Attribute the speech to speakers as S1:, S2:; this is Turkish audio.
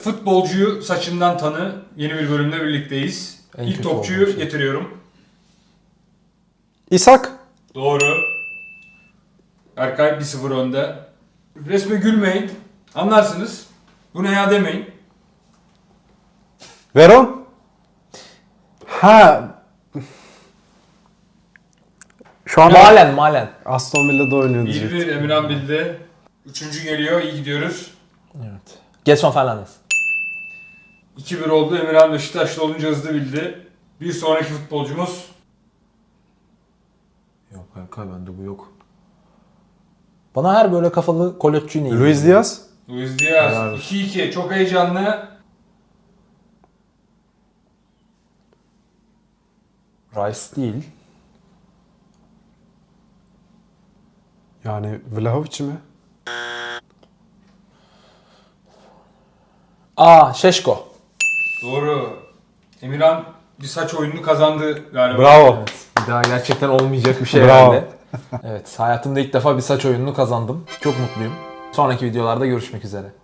S1: Futbolcuyu saçından tanı. Yeni bir bölümde birlikteyiz.
S2: En
S1: İlk
S2: kötü
S1: topçuyu
S2: olduğum şey.
S1: getiriyorum.
S3: İshak.
S1: Doğru. Erkay 1-0 önde. Resme gülmeyin. Anlarsınız. Bu ne ya demeyin.
S3: Veron. Ha. Şu an
S2: Malen.
S3: Aston Villa'da oynuyor diyecek.
S1: 1-1 Emirhan bildi. Üçüncü geliyor. İyi gidiyoruz.
S2: Evet. Gelson Fernandes.
S1: 2-1 oldu. Emirhan Beşiktaşlı olunca hızlı bildi. Bir sonraki futbolcumuz.
S2: Yok Erkay bende bu yok. Bana her böyle kafalı kolotçu neydi?
S3: Luis Diaz.
S1: Luis Diaz.
S2: Helal
S1: 2-2. Çok heyecanlı.
S2: Rice değil.
S3: Yani Vlahovic mi?
S2: Şeşko.
S1: Doğru. Emirhan bir saç oyununu kazandı galiba.
S3: Bravo.
S2: Evet. Bir daha gerçekten olmayacak bir şey
S3: Bravo.
S2: herhalde. Evet, hayatımda ilk defa bir saç oyununu kazandım. Çok mutluyum. Sonraki videolarda görüşmek üzere.